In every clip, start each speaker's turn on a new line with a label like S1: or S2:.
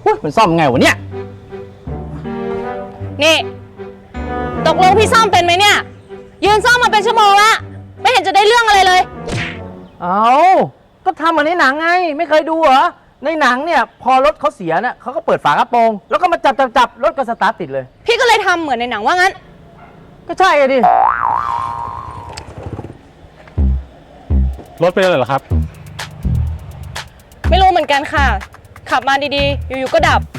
S1: มันซ่อมไงวะเนี่ย
S2: นี่ตกลงพี่ซ่อมเป็นไหมเนี่ยยืนซ่อมมาเป็นชั่วโมงละไม่เห็นจะได้เรื่องอะไรเลย
S1: เอาก็ทำเหมือนในหนังไงไม่เคยดูเหรอในหนังเนี่ยพอรถเขาเสียเนี่ยเขาก็เปิดฝากระโปรงแล้วก็มาจับรถก็สตาร์ทติดเลย
S2: พี่ก็เลยทำเหมือนในหนังว่างั้น
S1: ก็ใช่ไงดิ
S3: รถเป็นอะไรเหรอครับ
S2: ไม่รู้เหมือนกันค่ะขับมาดีๆอยู่ๆก็ดับ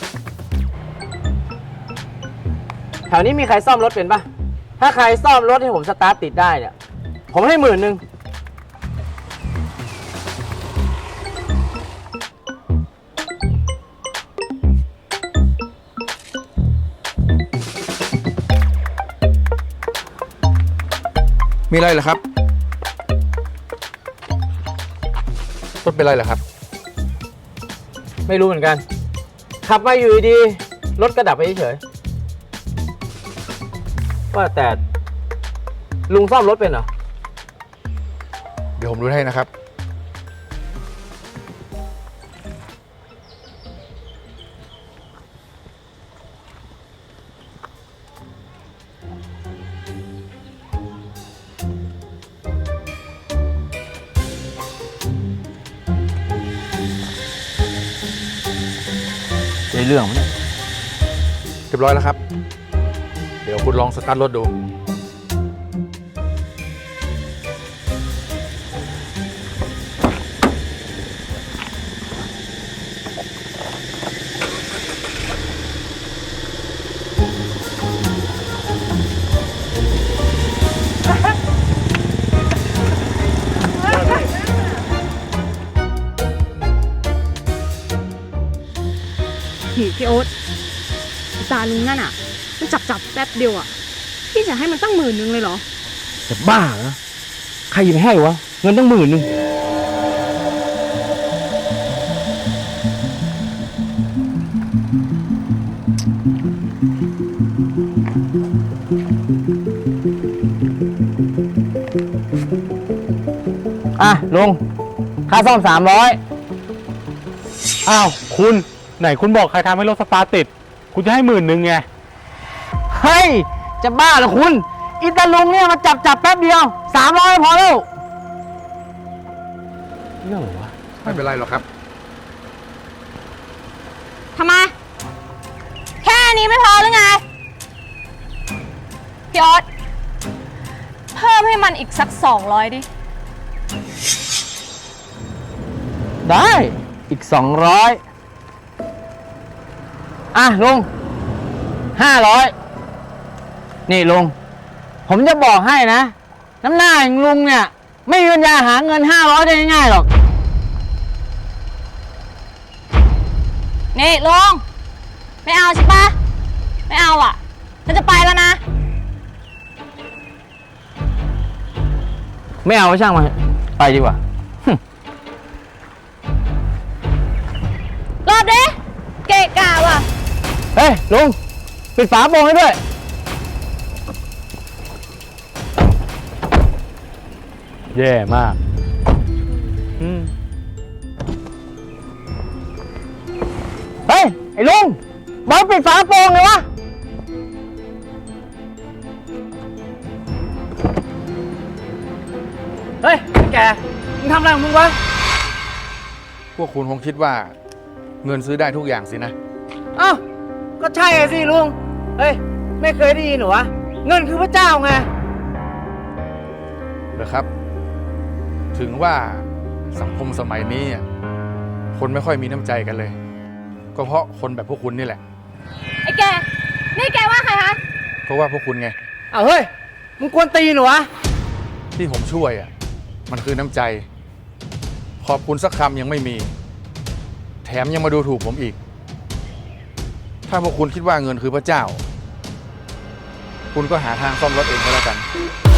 S1: แถวนี้มีใครซ่อมรถเป็นปะถ้าใครซ่อมรถให้ผมสตาร์ทติดได้เนี่ยผมให้10,000
S4: มีอะไรเหรอครับรถเป็นไรเหรอครับ
S1: ไม่รู้เหมือนกันขับมาอยู่ดีรถก็ดับไปเฉยว่าแต่ลุงซ่อมรถเป็นเหรอ
S4: เดี๋ยวผมดูให้นะครับ
S1: ได้เรื่องมั้ย
S4: เรียบร้อยแล้วครับเดี๋ยวคุณลองสตาร์ทรถดู
S2: พี่โอ๊ตตาลุงนั่นอ่ะมันจับแป๊บเดียวอ่ะพี่จะให้มันตั้ง10,000เลยเหรอ
S1: จะบ้าเหรอใครจะไปให้วะเงินตั้ง10,000ลุงค่าซ่อม300
S3: อ้าวคุณไหนคุณบอกใครทำให้รถสตาร์ทติดคุณจะให้10,000ไง
S1: เฮ้ยจะบ้าเหรอคุณอิตาลุงเนี่ยมาจับแป๊บเดียว300พอแล้วเรื่องอะไรวะ
S4: ไม่เป็นไรหรอกครับ
S2: ทำไมแค่นี้ไม่พอหรือไงพี่โอ๊ตเพิ่มให้มันอีกสัก200ดิ
S1: ได้อีก200ลุง500นี่ลุงผมจะบอกให้นะน้ำหน้าอย่างลุงเนี่ยไม่มีปัญญาหาเงิน500ได้ง่ายๆหรอก
S2: นี่ลุงไม่เอาใช่ปะไม่เอาอ่ะฉันจะไปแล้วนะ
S1: ไม่เอาช่างมันไปดีกว่าร
S2: อบดิเกะกะว่ะ
S1: เฮ้ยลุงปิดฝาโปรงให้ด้วย
S3: แย่มาก
S1: เฮ้ยไอ้ลุงบอกปิดฝาโปรงเลยวะเฮ้ยแกมึงทำอะไรของมึงวะ
S4: พวกคุณคงคิดว่าเงินซื้อได้ทุกอย่างสินะ
S1: อ้าวก็ใช่สิลุงเฮ้ยไม่เคยได้ยินหรอวะเงินคือพระเจ้าไง
S4: เหรอครับถึงว่าสังคมสมัยนี้คนไม่ค่อยมีน้ำใจกันเลยก็เพราะคนแบบพวกคุณนี่แหละ
S2: ไอ้แกนี่แกว่าใครคะ
S4: เพราะว่าพวกคุณไง
S1: เฮ้ยมึงกวนตีนหรอวะ
S4: ที่ผมช่วยมันคือน้ำใจขอบคุณสักคำยังไม่มีแถมยังมาดูถูกผมอีกถ้าพวกคุณคิดว่าเงินคือพระเจ้าคุณก็หาทางซ่อมรถเองก็แล้วกัน